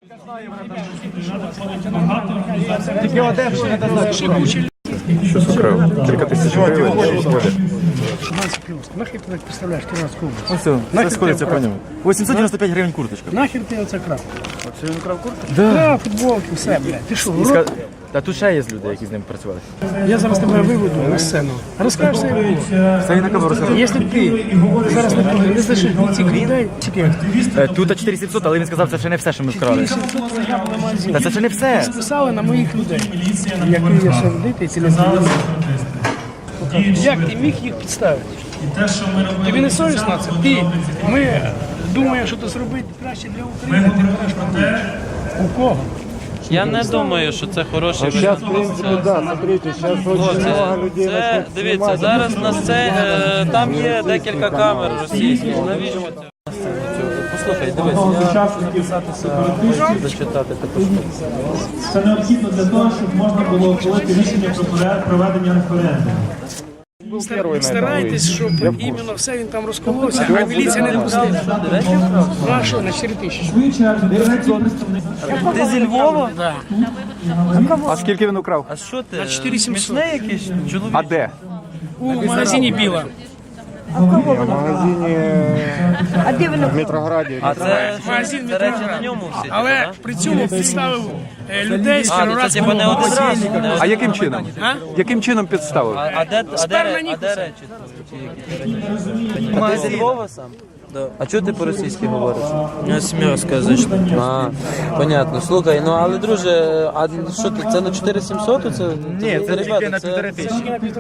Що украв? Кілька тисяч гривень. Нахер ти так представляєш Кіровоградську область? Ось все сходиться по ньому. 895 гривень курточка. Нахер ти оце крав? Оце він украв курточку? Да, футболки, все, блядь. Ти що, урод? Та тут ще є люди, які з ним працювали. Я зараз тебе виведу на сцену. Розкажеш все, як було. Це і на камеру розказав. Якщо ти зараз не знайшли цих людей, тільки Тут 4700, але він сказав, це ще не все, що ми вкрали. Та це ще не все. списали на моїх людей, які є сердити і цілезвідомі. Як ти міг їх підставити? Тобі не совісно це? Ми думаємо, що це зробити краще для України, ти береш проблеми. У кого? Я не думаю, що це хороший Сейчас, варіант. в принципе, да, смотрите, сейчас очень много людей Це, начнут дивіться, снимать. зараз на сцені, там є декілька камер російських. Навіщо це? Послухай, дивись, я записатися, зачитати також. Це необхідно для того, щоб можна було ухвалити рішення про проведення референдуму. Старайтесь, щоб іменно все він там розколовся, а міліція не пустила. Ну а що, на 4 тисячі? Ти зі Львова? Да. А скільки він украв? А що ти? 4700. Смішний якийсь чоловік? А де? У магазині Біла. В магазине в Метрограді. А це, Магазин це речі на Метроград. ньому всі? Але при цьому підставив людей з А, ну це типу не один Кіровоградського. раз. не один А яким чином? А? Яким чином підставив? А де Ніхуса. речі? А ти зі Львова сам? Да. А чого ти по-російськи говориш? Смерзка, значить. А, понятно. Слухай, ну але друже, а що ти, це на 4700? Це, Ні, це ребята, тільки на 1500.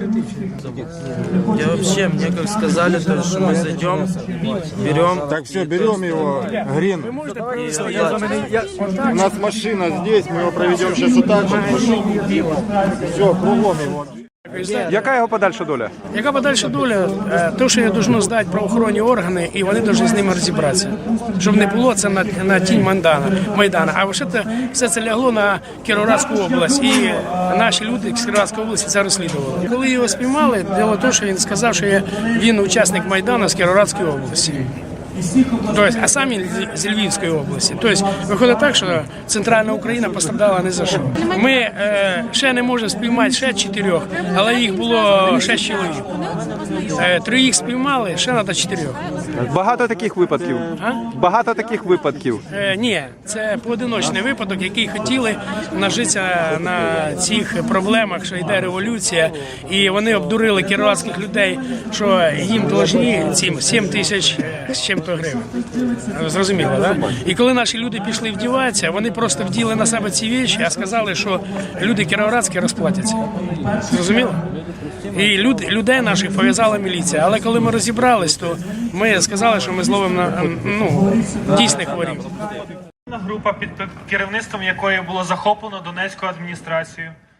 Я вообще, мне как сказали, то, что мы зайдем, берем. Так, все, берем его, Грин. У нас машина здесь, мы его проведем сейчас вот так. Все, кругом его. Яка його подальша доля? Яка подальша доля? То, що я должно здати правоохоронні органи, і вони повинні з ними розібратися. Щоб не було це на тінь Майдана. А все це лягло на Кіровоградську область. І наші люди з Кіровоградської області це розслідували. Коли його спіймали, діло те, що він сказав, що він учасник Майдану з Кіровоградської області. Тобто, а сам він з Львівської області. Тобто, виходить так, що центральна Україна постраждала не за що. Ми ще не можемо спіймати ще 4, але їх було 6 чоловік. 3 їх спіймали, ще треба 4. Багато таких випадків. Багато таких випадків. Ні, це поодиночний випадок, який хотіли нажитися на цих проблемах, що йде революція, і вони обдурили кіровоградських людей, що їм должні цим 7 тисяч з чим-то гривень. Зрозуміло, так? Да? І коли наші люди пішли вдіватися, вони просто вділи на себе ці речі, а сказали, що люди кіровоградські розплатяться. Зрозуміло? І людей наших пов'язала міліція. Але коли ми розібрались, то ми сказали, що ми зловимо на дійсних ворів. Група, під керівництвом якої було захоплено Донецьку адміністрацію,